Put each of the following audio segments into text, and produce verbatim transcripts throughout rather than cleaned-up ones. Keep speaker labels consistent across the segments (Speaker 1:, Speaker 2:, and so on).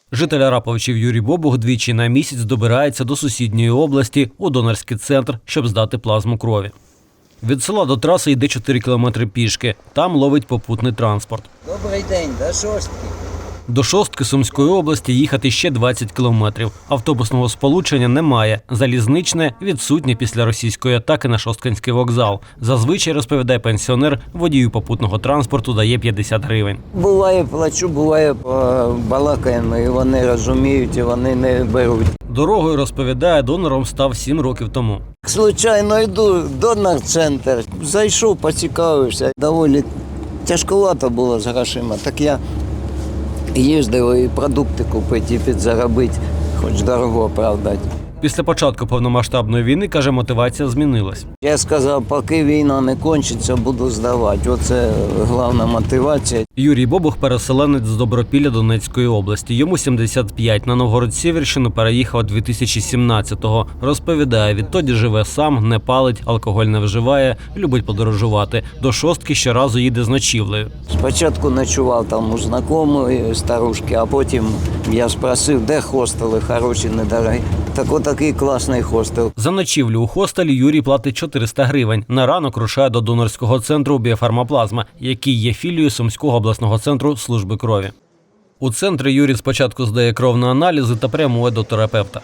Speaker 1: Житель Араповичів Юрій Бобух двічі на місяць добирається до сусідньої області у донорський центр, щоб здати плазму крові. Від села до траси йде чотири кілометри пішки. Там ловить попутний транспорт.
Speaker 2: Добрий день, до шостки.
Speaker 1: До Шостки Сумської області їхати ще двадцять кілометрів. Автобусного сполучення немає. Залізничне відсутнє після російської атаки на Шосткинський вокзал. Зазвичай, розповідає пенсіонер, водію попутного транспорту дає п'ятдесят гривень.
Speaker 2: Буває плачу, буває балакаємо, і вони розуміють, і вони не беруть.
Speaker 1: Дорогою, розповідає, донором став сім років тому.
Speaker 2: Случайно йду в донор-центр, зайшов, поцікавився. Доволі тяжковато було з грошима, так я їздив і продукти купити, і підзаробити, хоч дорого, правда.
Speaker 1: Після початку повномасштабної війни, каже, мотивація змінилась.
Speaker 2: Я сказав, поки війна не кончиться, буду здавати. Оце головна мотивація.
Speaker 1: Юрій Бобух – переселенець з Добропілля Донецької області. Йому сімдесят п'ять. На Новгород-Сіверщину переїхав дві тисячі сімнадцятого. Розповідає, відтоді живе сам, не палить, алкоголь не вживає, любить подорожувати. До Шостки щоразу їде з ночівлею.
Speaker 2: Спочатку ночував там у знайомої старушки, а потім я спросив, де хостели хороші, недорогі. Так отакий класний хостел.
Speaker 1: За ночівлю у хостелі Юрій платить чотириста гривень. На ранок рушає до донорського центру «Біофармаплазма», який є філією Сумського обласного центру служби крові. У центрі Юрій спочатку здає кров на аналізи та прямує до терапевта.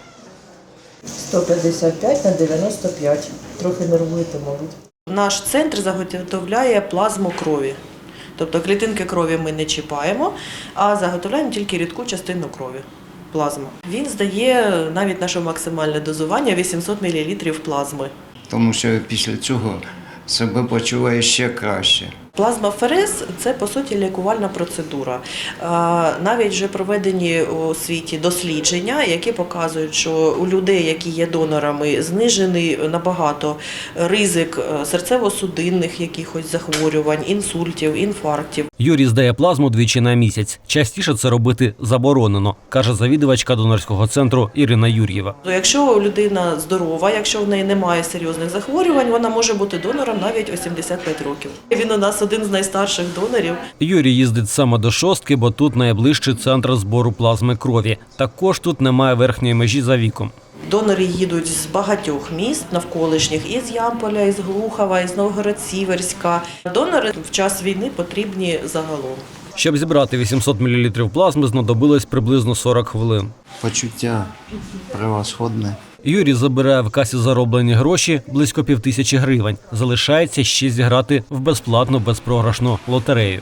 Speaker 3: сто п'ятдесят п'ять на дев'яносто п'ять. Трохи нервуєте, мабуть. Наш центр заготовляє плазму крові. Тобто клітинки крові ми не чіпаємо, а заготовляємо тільки рідку частину крові. Плазму. Він здає навіть наше максимальне дозування вісімсот мілілітрів плазми.
Speaker 2: Тому що після цього себе почуває ще краще.
Speaker 3: Плазмаферез – це, по суті, лікувальна процедура. Навіть вже проведені у світі дослідження, які показують, що у людей, які є донорами, знижений набагато ризик серцево-судинних якихось захворювань, інсультів, інфарктів.
Speaker 1: Юрій здає плазму двічі на місяць. Частіше це робити заборонено, каже завідувачка донорського центру Ірина Юр'єва.
Speaker 3: Якщо людина здорова, якщо в неї немає серйозних захворювань, вона може бути донором навіть у сімдесят п'ять років. Він у нас один з найстарших донорів.
Speaker 1: Юрій їздить саме до Шостки, бо тут найближчий центр збору плазми крові. Також тут немає верхньої межі за віком.
Speaker 3: Донори їдуть з багатьох міст навколишніх, із Ямполя, із Глухова, із Новгород-Сіверська. Донори в час війни потрібні загалом.
Speaker 1: Щоб зібрати вісімсот мілілітрів плазми, знадобилось приблизно сорок хвилин.
Speaker 2: Почуття превосходне.
Speaker 1: Юрій забирає в касі зароблені гроші близько півтисячі гривень. Залишається ще зіграти в безплатну безпрограшну лотерею.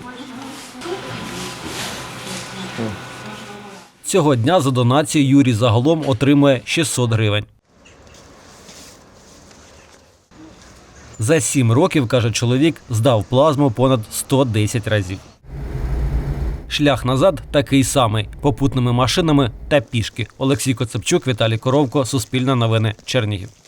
Speaker 1: Цього дня за донацію Юрій загалом отримує шістсот гривень. За сім років, каже чоловік, здав плазму понад сто десять разів. Шлях назад такий самий – попутними машинами та пішки. Олексій Коцепчук, Віталій Коровко, Суспільне новини, Чернігів.